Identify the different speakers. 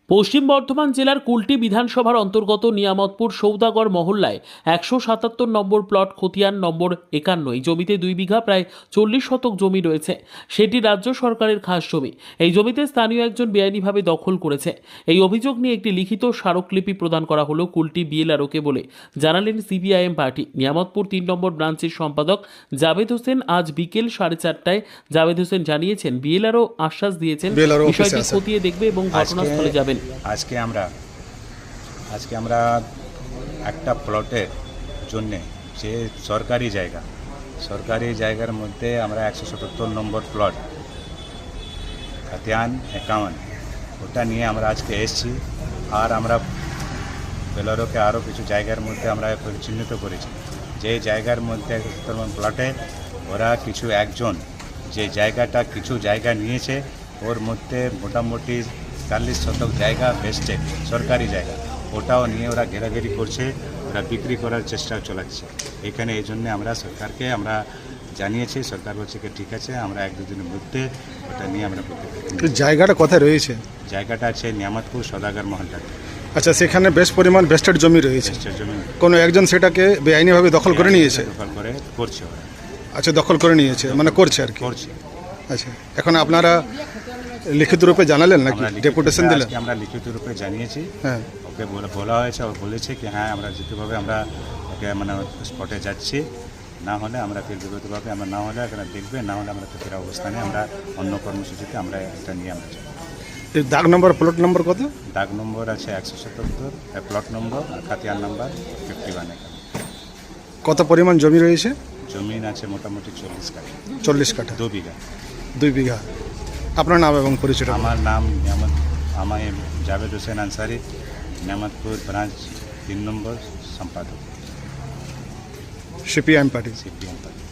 Speaker 1: পশ্চিম বর্ধমান জেলার কুলটি বিধানসভার অন্তর্গত নিয়ামতপুর সৌদাগর মহল্লায় 177 নম্বর প্লট খতিয়ান নম্বর 51 এই জমিতে 2 বিঘা প্রায় 40 শতক জমি রয়েছে। সেটি রাজ্য সরকারের খাস জমি। এই জমিতে স্থানীয় একজন বেআইনিভাবে দখল করেছে। এই অভিযোগ নিয়ে একটি লিখিত স্মারকলিপি প্রদান করা হলো কুলটি বিএলআরওকে বলে জানালেন সিপিআইএম পার্টি নিয়ামতপুর 3 নম্বর ব্রাঞ্চের সম্পাদক জাভেদ হোসেন। আজ বিকেল 4:30টায় জাভেদ হোসেন জানিয়েছেন বিএলআরও আশ্বাস দিয়েছেন বিষয়টি খতিয়ে দেখবে এবং ঘটনাস্থলে যাবেন।
Speaker 2: আজকে আমরা একটা প্লটের জন্য যে সরকারি জায়গার মধ্যে আমরা 177 নম্বর প্লট খতিয়ান 51 ওটা নিয়ে আমরা আজকে এসেছি। আর আমরা বেলারোকে আরও কিছু জায়গার মধ্যে আমরা চিহ্নিত করেছি যে জায়গার মধ্যে 177 নম্বর প্লটে ওরা একজন যে কিছু জায়গা নিয়েছে, ওর মধ্যে মোটামুটি 40 শতক জায়গা বেস্টেড সরকারি জায়গা, ওটাও নিয়ে ওরা ঘেরাঘেরি করছে, ওরা বিক্রি করার চেষ্টা চালাচ্ছে এখানে। এই জন্য আমরা সরকারকে জানিয়েছি। সরকার বলছে কি ঠিক আছে, আমরা 1-2 দিনের মধ্যে ওটা নিয়ে আমরা করতে পারি।
Speaker 3: জায়গাটা কোথায় রয়েছে?
Speaker 2: জায়গাটা আছে নিয়ামতপুর সদাগর মহল্লাতে।
Speaker 3: আচ্ছা, সেখানে বেশ পরিমাণ বেস্টেড জমি রয়েছে। কোনো একজন সেটাকে বেআইনিভাবে দখল করে নিয়েছে?
Speaker 2: দখল করে করছে ওরা।
Speaker 3: আচ্ছা, দখল করে নিয়েছে মানে করছে আর কি।
Speaker 2: করছে।
Speaker 3: আচ্ছা, এখন আপনারা লিখিত রূপে জানালেন নাকি ডেপুটেশন দিলেন?
Speaker 2: আমরা লিখিত রূপে জানিয়েছি।
Speaker 3: হ্যাঁ,
Speaker 2: ওকে বলা হয়েছে, ও বলেছে কি হ্যাঁ আমরা যেভাবে আমরা ওকে স্পটে যাচ্ছি, না হলে আমরা ফের বিগতভাবে আমরা না হলে এখানে দেখবে, না হলে আমরা ফের অবস্থানে আমরা অন্য কর্মসূচিতে আমরা এটা নিয়ে আমরা যাবো।
Speaker 3: এই দাগ নম্বর প্লট নম্বর কত?
Speaker 2: দাগ নম্বর আছে 177, প্লট নম্বর আর খতিয়ান নাম্বার 51।
Speaker 3: কত পরিমাণ জমি রয়েছে?
Speaker 2: জমিন আছে মোটামুটি 40 কাঠা।
Speaker 3: 40 কাঠা,
Speaker 2: 2 বিঘা।
Speaker 3: 2 বিঘা। আপনার নাম এবং পরিচয়?
Speaker 2: আমার নাম আমি জাভেদ হোসেন আনসারি, নিয়ামতপুর ব্রাঞ্চ 3 নম্বর সম্পাদক,
Speaker 3: সিপিআইএম পার্টি।
Speaker 2: CPM party.